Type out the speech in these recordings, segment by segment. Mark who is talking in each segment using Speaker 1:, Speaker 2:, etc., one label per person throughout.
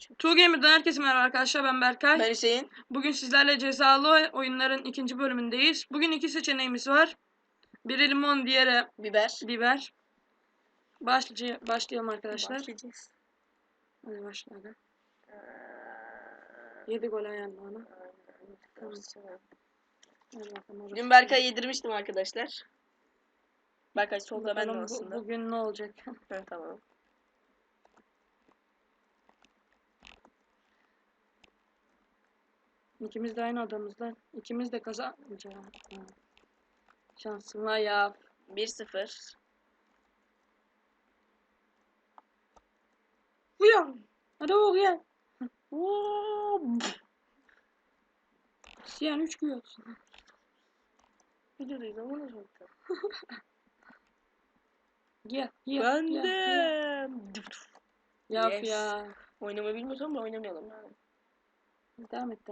Speaker 1: Two Gamer'dan herkese merhaba arkadaşlar, ben Berkay.
Speaker 2: Ben Hüseyin.
Speaker 1: Bugün sizlerle cezalı oyunların ikinci bölümündeyiz. Bugün iki seçeneğimiz var. Biri limon, diğeri biber. Başlayalım arkadaşlar.
Speaker 2: Başlayacağız.
Speaker 1: Hadi başla hadi. 7 gol ayağında ona. Tamam. Hadi bakalım.
Speaker 2: Dün Berkay'a yedirmiştim arkadaşlar. Berkay solda, ben de aslında.
Speaker 1: Bugün ne olacak?
Speaker 2: Ha, tamam.
Speaker 1: İkimiz de aynı adamızla. İkimiz de kazanmayacağız. Şansın var ya.
Speaker 2: 1-0.
Speaker 1: Uyan. Hadi uyan. Siyan 3 güyorsun.
Speaker 2: Videodayız ama ne çok da.
Speaker 1: Gel.
Speaker 2: Ben de.
Speaker 1: Yap
Speaker 2: Yes.
Speaker 1: ya.
Speaker 2: Oynamayı bilmiyorsam da oynamayalım yani.
Speaker 1: Devam et.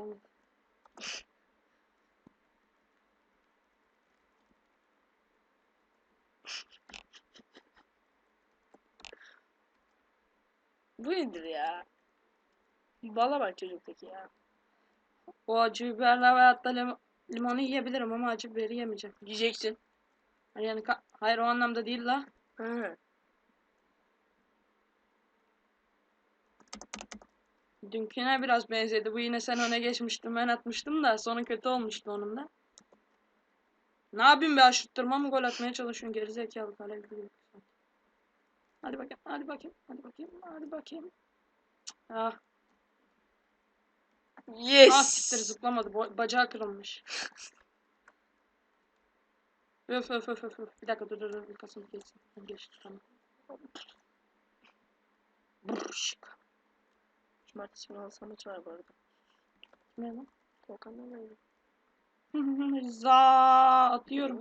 Speaker 2: Bu nedir ya? Bala bak çocuktaki ya.
Speaker 1: O acı biberle veyahut da limonu yiyebilirim ama acı biberi yemeyeceğim.
Speaker 2: Yiyeceksin.
Speaker 1: Yani hayır, o anlamda değil la.
Speaker 2: Ha.
Speaker 1: Dünküne biraz benzedi. Bu yine sen öne geçmiştin, ben atmıştım da sonu kötü olmuştu onun da. Ne yapayım be, aşıttırma mı gol atmaya çalışıyorsun gerizekalı kale gibi. Hadi bakayım. Ah.
Speaker 2: Yes.
Speaker 1: Ah siktir, zıplamadı. Bacağı kırılmış. Öf. Bir dakika dur. Kasım geçsin. Geçti tamam. Brrşk.
Speaker 2: Cumartesi günü alsam maçı var bu arada.
Speaker 1: Ne lan?
Speaker 2: Volkan'dan da öyle.
Speaker 1: Atıyorum.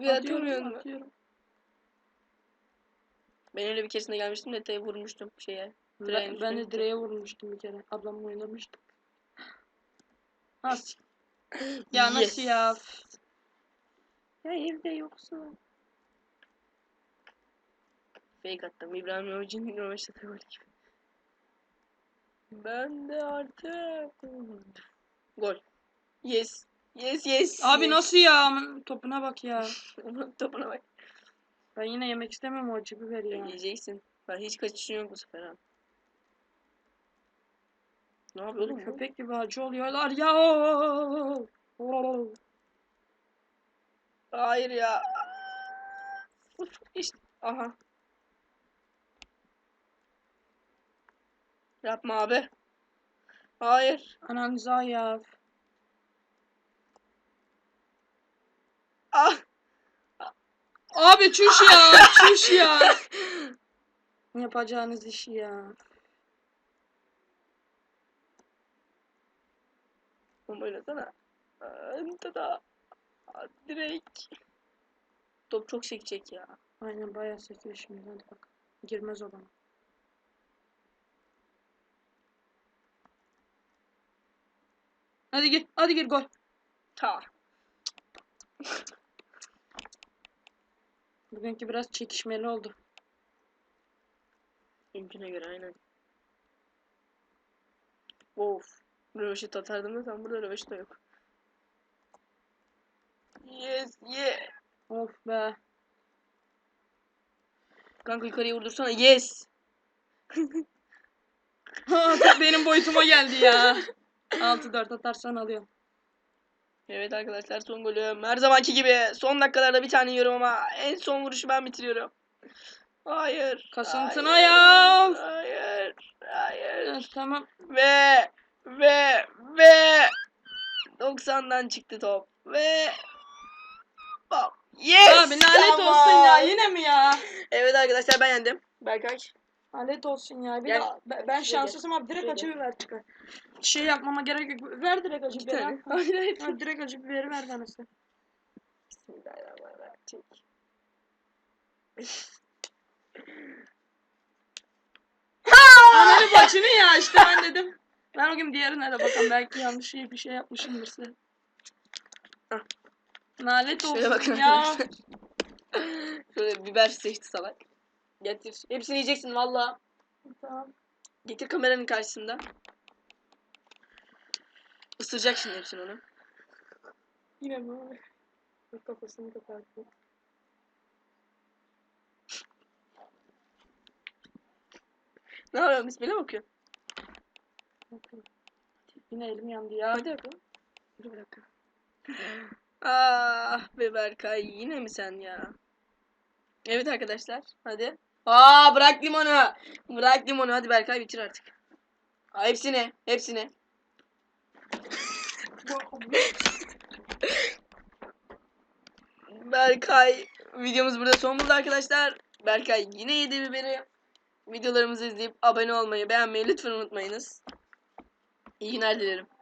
Speaker 2: Ben öyle bir keresinde gelmiştim de direğe vurmuştum şeye.
Speaker 1: Ben de direğe vurmuştum bir kere. Ablamla oynamıştık. Nasıl? Ya nasıl ya? Ya evde yoksun.
Speaker 2: Fake attım. İbrahim Yavuz'un üniversitede var gibi. Ben de artık. Gol. Yes.
Speaker 1: Abi
Speaker 2: Yes.
Speaker 1: nasıl ya? Topuna bak ya.
Speaker 2: Topuna bak.
Speaker 1: Ben yine yemek istemem o acı biberi ya.
Speaker 2: Yiyeceksin. Ben hiç kaçışın yok bu sefer ha. Ne yapıyor oğlum bu?
Speaker 1: Köpek gibi acı oluyorlar ya.
Speaker 2: Hayır ya. İşte. Aha. Yapma abi. Hayır.
Speaker 1: Ananıza ya.
Speaker 2: Ah.
Speaker 1: Abi çüş ya. Yapacağınız işi ya.
Speaker 2: Bomba oynasana. Tada. Direkt. Top çok sekecek ya.
Speaker 1: Aynen bayağı sekiyor şimdi, hadi bak. Girmez o bana. Hadi gir gol.
Speaker 2: Ta.
Speaker 1: Bugünkü biraz çekişmeli oldu.
Speaker 2: Mümküne göre aynen. Of. Röveşit atardım da tam burada röveşit de yok. Yes.
Speaker 1: Of be.
Speaker 2: Kanka yukarıya vurdursana. Yes.
Speaker 1: Benim boyutuma geldi ya. 6-4 atarsan alıyorum.
Speaker 2: Evet arkadaşlar, son golüm. Her zamanki gibi son dakikalarda bir tane yiyorum ama en son vuruşu ben bitiriyorum. Hayır.
Speaker 1: Kasıntına ya.
Speaker 2: Hayır.
Speaker 1: Evet, tamam.
Speaker 2: Ve 90'dan çıktı top. Ve yes.
Speaker 1: Abi lanet olsun ya, yine mi ya?
Speaker 2: Evet arkadaşlar, ben yendim. Berkay.
Speaker 1: Lanet olsun ya. Bir
Speaker 2: Gel.
Speaker 1: de ben şanssızım abi, direkt acı biber çıkar. Şey yapmama gerek yok. Ver direkt acı biberi. Hayır. Direkt acı biberi ver bana sen.
Speaker 2: Bismillahirrahmanirrahim. Çek.
Speaker 1: Ananı bacını ya, işte ben dedim. Ben o gün diğerine de bakalım, belki yanlış bir şey yapmışımdır size. Lanet olsun ya.
Speaker 2: Şöyle biber seçti salak. Getir. Hepsini yiyeceksin valla.
Speaker 1: Tamam.
Speaker 2: Getir kameranın karşısında. Isıracak şimdi hepsini onu.
Speaker 1: Yine mi? Kafasını kapattı.
Speaker 2: Ne yapıyorsun? Bismillah bakıyor.
Speaker 1: Yine elim yandı ya.
Speaker 2: Hadi bakalım. Dur bir dakika. Ah be Berkay, yine mi sen ya? Evet arkadaşlar, hadi. Bırak limonu. Bırak limonu, hadi Berkay bitir artık. Hepsini, hepsini. Berkay, videomuz burada son buldu arkadaşlar. Berkay yine yedi biberi. Videolarımızı izleyip abone olmayı, beğenmeyi lütfen unutmayınız. İyi günler dilerim.